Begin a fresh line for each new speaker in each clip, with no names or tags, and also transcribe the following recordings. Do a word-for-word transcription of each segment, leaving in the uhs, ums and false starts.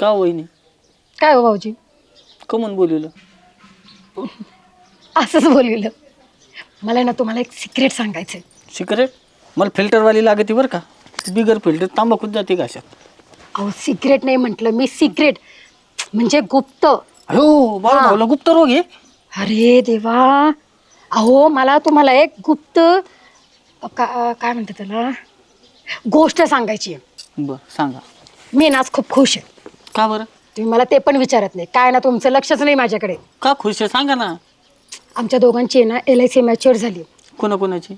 का वहिनी?
काय हो भाऊजी?
कमून बोलवलं?
असंच बोलविलं. मला ना तुम्हाला एक सिक्रेट सांगायचं आहे.
सिक्रेट? मला फिल्टरवाली लागते बरं का, बिगर फिल्टर तांबाखूच जाते का अशात?
अहो सिक्रेट नाही म्हटलं मी, सिक्रेट म्हणजे गुप्त.
हो बाळू भाऊला गुप्त रोग आहे?
अरे देवा, अहो मला तुम्हाला एक गुप्त का काय म्हणतात त्याला गोष्ट सांगायची आहे.
बरं सांगा.
मी ना आज खूप खुश आहे.
का बरं?
तुम्ही मला ते पण विचारत नाही काय ना, तुमचं लक्षच नाही माझ्याकडे.
का खुश आहे सांगा ना.
आमच्या दोघांची ना एल आय सी मॅच्युअर झाली.
कोणाकोणाची?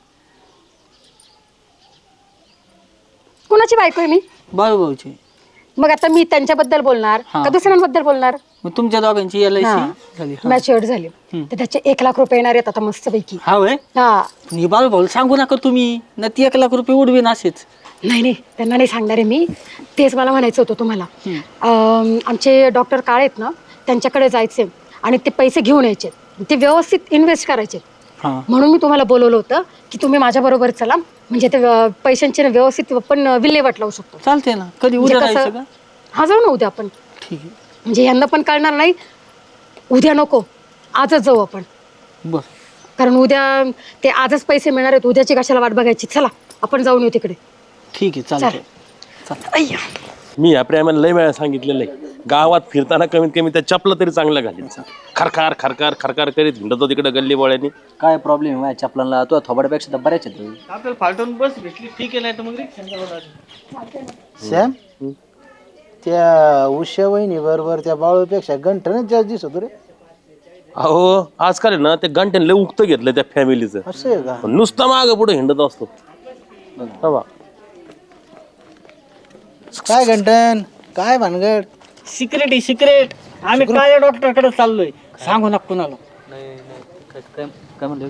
कोणाची बायको आहे मी?
बाळू भाऊची.
मग आता मी त्यांच्याबद्दल बोलणार
हा.
का दुसऱ्यांबद्दल बोलणार?
मग तुमच्या दोघांची एल आय
हा.
सी झाली? हा.
मॅच्युअर झाली तर त्याचे एक लाख रुपये येणार आहेत आता मस्तपैकी.
हा वय?
हा.
पण हे बाळू भाऊला सांगू नका तुम्ही, ना ती एक लाख रुपये उडवीन असेच.
नाही नाही, त्यांना नाही सांगणार आहे मी. तेच मला म्हणायचं होतं तुम्हाला. अं, आमचे डॉक्टर काळे आहेत ना, त्यांच्याकडे जायचे आणि ते पैसे घेऊन यायचे, ते व्यवस्थित इन्व्हेस्ट करायचे.
हा.
म्हणून मी तुम्हाला बोलवलं होतं की तुम्ही माझ्याबरोबर चला, म्हणजे ते अं, पैशांचे ना व्यवस्थित पण विल्हेवाट लावू शकतो.
चालते ना. कधी
म्हणजे
उद्या
कसं-
जायचं का?
हा जाऊ ना उद्या आपण.
ठीक आहे.
म्हणजे यांना पण कळणार नाही. उद्या नको, आजच जाऊ आपण.
बर.
कारण उद्या ते आजच पैसे मिळणार आहेत, उद्याची कशाला वाट बघायची. चला आपण जाऊन येऊ तिकडे.
ठीक आहे चालतंय.
अय्या.
मी या प्रेमाने लय वेळा सांगितलेलं आहे, गावात फिरताना कमीत कमी त्या चपला तरी चांगल्या घालायचं. खरकार खरकार खरकार करीत हिंडतो तिकडे गल्ली बोळ्यानी.
काय प्रॉब्लेम आहे माझ्या चपलांना? तुझ्या थोबाड्यापेक्षा तर बऱ्याच आहेत.
आपल्याला फालटून बस भेटली ठीक आहे, नाही तर मग रिक्षा.
सॅम, त्या उषा वहिनी बरोबर त्या बाळूपेक्षा गंठनच जास्त दिसतो रे.
अहो आजकाल आहे ना ते गंठ्याने लय उक्त घेतलं त्या फॅमिलीचं.
असं आहे का?
नुसतं मागं पुढे हिंडत असतो. हा बा.
काय गंठन, काय भानगड?
सिक्रेट आहे सिक्रेट. आम्ही काय डॉक्टरकडे चाललोय, सांगू नका कुणाला.
काय म्हणलं?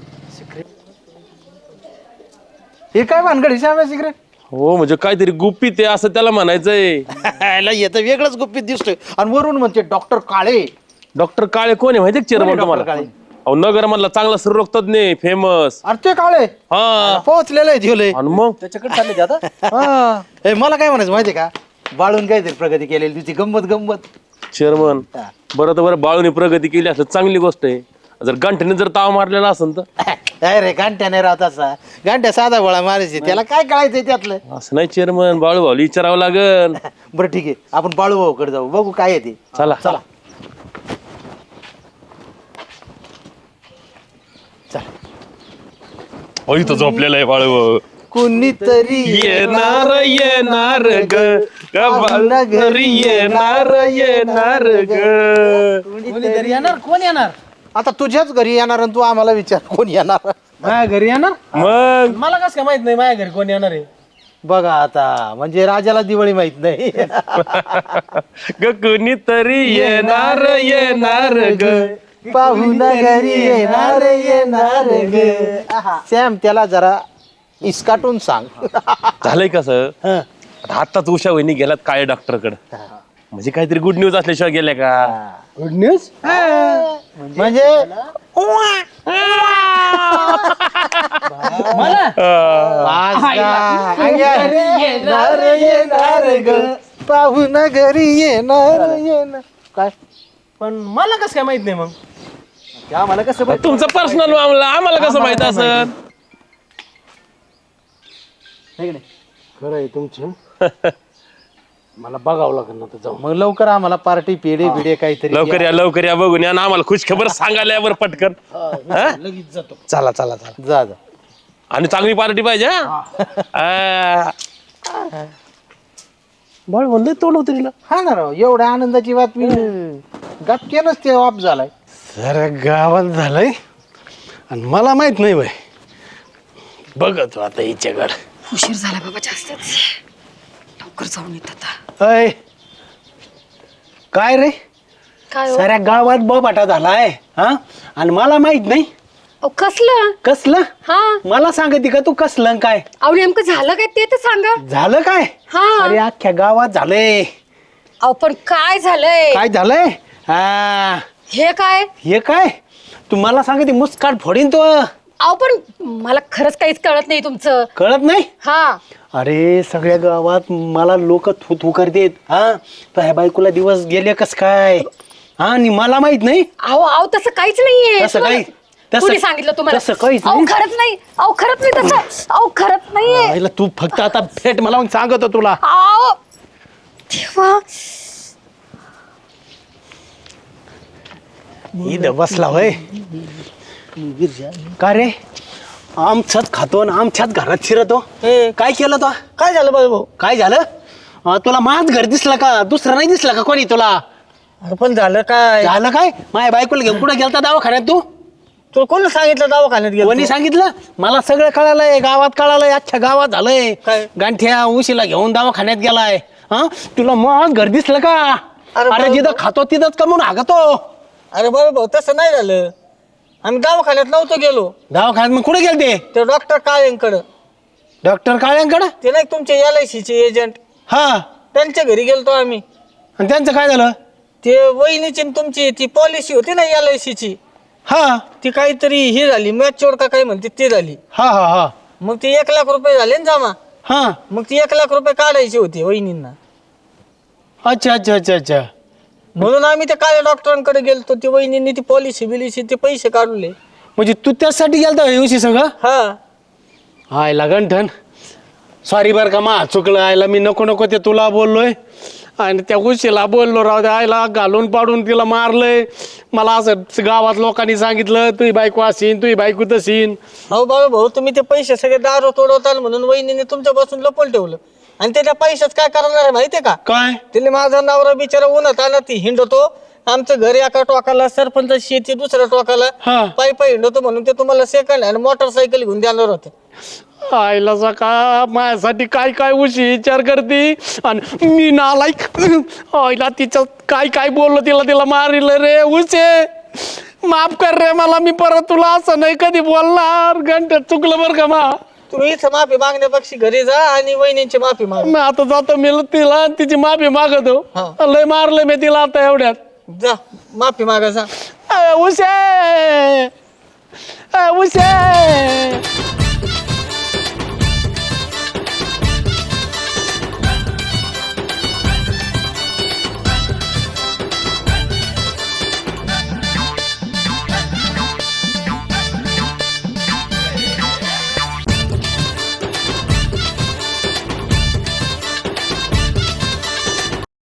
हे काय भानगड हिसाब सिक्रेट?
हो म्हणजे काहीतरी गुपित आहे असं त्याला म्हणायचंय.
येतं वेगळंच गुपित दिसतोय आणि वरून म्हणते डॉक्टर काळे.
डॉक्टर काळे कोण आहे माहिती का चेअरमन
कोण आहे
तुम्हाला?
डॉक्टर काळे?
अहो नगर मधला चांगला स्त्रीरोग तज्ञ फेमस.
अरे ते काळे
हा
पोहोचलेलं आहे ठेवलंय.
आणि मग
त्याच्याकडे चालले ते आता.
हा. हे मला काय म्हणायचं माहितीये का, बाळून काहीतरी प्रगती केलेली तुझी गंमत गंमत.
चेअरमन बरं तर बरं बाळूने प्रगती केली असं चांगली गोष्ट आहे. जर गंठ्याने जर ताव मारलेला असेल तर
काय रे गांठ्या नाही राहत असा, गांठ्या साधा गोळा मारायचे, त्याला काय कळायचंय त्यातलं.
असं नाही चेअरमन, बाळू भाऊ विचारावं लागल.
बरं ठीक आहे, आपण बाळू भाऊकडे जाऊ, बघू काय आहे ते.
चला चला. हो इथं झोपलेलं आहे बाळू भाऊ.
कोणीतरी
येणार येणार ग गावाला घरी येणार येणार ग.
कोणीतरी येणार. कोण येणार?
आता तुझ्याच घरी येणार आणि तू आम्हाला विचार कोण येणार.
माझ्या घरी येणार?
मग
मला कसं काय माहित नाही माझ्या घरी कोण येणार आहे?
बघा आता, म्हणजे राजाला दिवाळी माहित नाही.
ग कोणीतरी येणार येणार ग.
पाहून घरी येणार येणार ग. सॅम त्याला जरा इसकाटून सांग.
झालंय कसं, आताच उषा वहिनी गेल्यात काळे डॉक्टर कडे, म्हणजे काहीतरी गुड न्यूज असल्याशिवाय गेल्या का?
गुड न्यूज म्हणजे येणार येणार ग, पाहून घरी येणार येणार. काय
पण मला कसं काय माहित नाही मग?
आम्हाला कसं माहित?
तुमचं पर्सनल मामला आम्हाला कसं माहित असं?
खरं आहे तुमचं. मला बघावं लागेल ना, जाऊ मग लवकर आम्हाला पार्टी पेढे बिडे काहीतरी.
लवकर या लवकर या बघून या ना आम्हाला खुश खबर सांगायला यावर पटकन. हा? चला चला चला.
जा जा.
आणि चांगली पार्टी पाहिजे. हा बाळ म्हणलं तोंड उतरीला.
हा ना राव, एवढ्या आनंदाची बातमी गपकेनच ते ऑफ झालाय.
जरा गावात झालंय आणि मला माहित नाही बाई. बघतो आता हिच्याकडे.
उशीर झाला बाबा जास्तच, लवकर जाऊन येत आता.
अय काय रे,
काय हो?
साऱ्या गावात बोबाटा झालाय हा, आणि मला माहित नाही.
अहो, कसलं?
कसलं?
हा.
मला सांगते का तू कसलं काय
अहो नेमकं झालं काय ते तर सांगा.
झालं काय?
हा.
अरे अख्ख्या गावात झालंय.
अहो पण काय झालंय?
काय झालंय? हा
हे काय?
हे काय, तू मला सांगते मुस्काट फोडीन तो.
अहो पण मला खरंच काहीच कळत नाही तुमचं.
कळत नाही?
हा
अरे सगळ्या गावात मला लोक थू थू करतेत. हा ह्या बायकोला दिवस गेले कस काय? हा आणि मला माहित नाही.
अहो अहो तसं काहीच नाहीये.
तसं काही- तसं-
कुणी सांगितलं तुम्हाला?
तसं काहीच
अहो
नाही.
खरंच नाही. अहो खरंच नाही तसं. अहो खरंच नाहीये.
आईला तू फक्त आता भेट मला मग सांगतो तुला.
अहो देवा.
इथं बसला होय. का रे आमच्याच खातो आणि आमच्याच घरात शिरतो.
हे
काय केलं तो?
काय झालं बाबा भाऊ?
काय झालं? अं, तुला माझ घर दिसलं का? दुसरं नाही दिसलं का कोणी तुला?
अरे पण झालं काय?
झालं काय? माझ्या बायकोला घेऊन कुठे गेलता दवाखान्यात तू?
तुला कोणी सांगितलं दवाखान्यात गेलो?
कोणी सांगितलं? मला सगळं कळालंय, गावात कळालंय, अख्ख्या गावात झालंय.
काय?
गांठ्या उशीला घेऊन दवाखान्यात गेलाय. हा तुला मग घर दिसलं का?
अरे
अरे
बाबा-
जिथं खातो तिथंच कमवून हागतो.
अरे बाबा भाऊ तसं नाही झालं. आम्ही दवाखान्यात नव्हतो गेलो.
दवाखान्यात मग कुठे गेलते?
ते डॉक्टर काळेंकडं.
डॉक्टर काळ्यांकडे?
ते नाही तुमचे एल आय सीचे एजंट,
हा
त्यांच्या घरी गेलतो आम्ही.
आणि त्यांचं काय झालं?
ते वहिनीची न तुमची ती पॉलिसी होती ना एल आय सीची,
हा
ती काहीतरी हे झाली मॅच्युअर का काय म्हणते ते झाली.
हा हा हा
मग ती एक लाख रुपये झाले ना जमा.
हा
मग ती एक लाख रुपये काढायची होती वहिनींना.
अच्छा अच्छा अच्छा अच्छा.
म्हणून आम्ही त्या काळ्या डॉक्टरांकडे गेलतो. ती वहिनींनी ती पॉलिसी बिलिसी ते पैसे काढले.
म्हणजे तू त्यासाठी गेलता येऊशी सगळं?
हा
आयला गंठन सॉरी बरं का मा चुकलं. आयला मी नको नको ते तुला बोललोय आणि त्या उशीला बोललो राव द्या. आयला घालून पाडून तिला मारलंय. मला असं गावात लोकांनी सांगितलं तुही बायको असीन तुही बायको तसीन.
हो बाबा भाऊ तुम्ही ते पैसे सगळे दारू तोडवताल म्हणून वहिनीने तुमच्यापासून लपवून ठेवलं. आणि ते त्या पैशाच काय करणार आहे माहितीये का?
काय?
तिने माझा नवरा बिचारा उन्हात आला ती हिंडतो. आमचं घर एका टोकाला, सरपंच शेती दुसऱ्या टोकाला,
हा.
पायी पायी हिंडतो म्हणून ते तुम्हाला सेकंड हँड मोटरसायकल घेऊन देणार होते.
आईला सका माझ्यासाठी काय काय उशी विचार करते आणि मी नालायक. आईला तिचं काय काय बोललो तिला तिला मारिलं रे. उशे माफ कर रे मला. मी परत तुला असं नाही कधी बोलणार. घंट्यात चुकलं बरं का मा.
तुम्ही इथं माफी मागण्यापेक्षा घरी जा आणि वहिनींची माफी माग.
मी आता जातो मी तिला तिची माफी मागतो.
हा.
लय मारलंय मी तिला आता एवढ्यात.
जा माफी मागा जा.
उशे उशे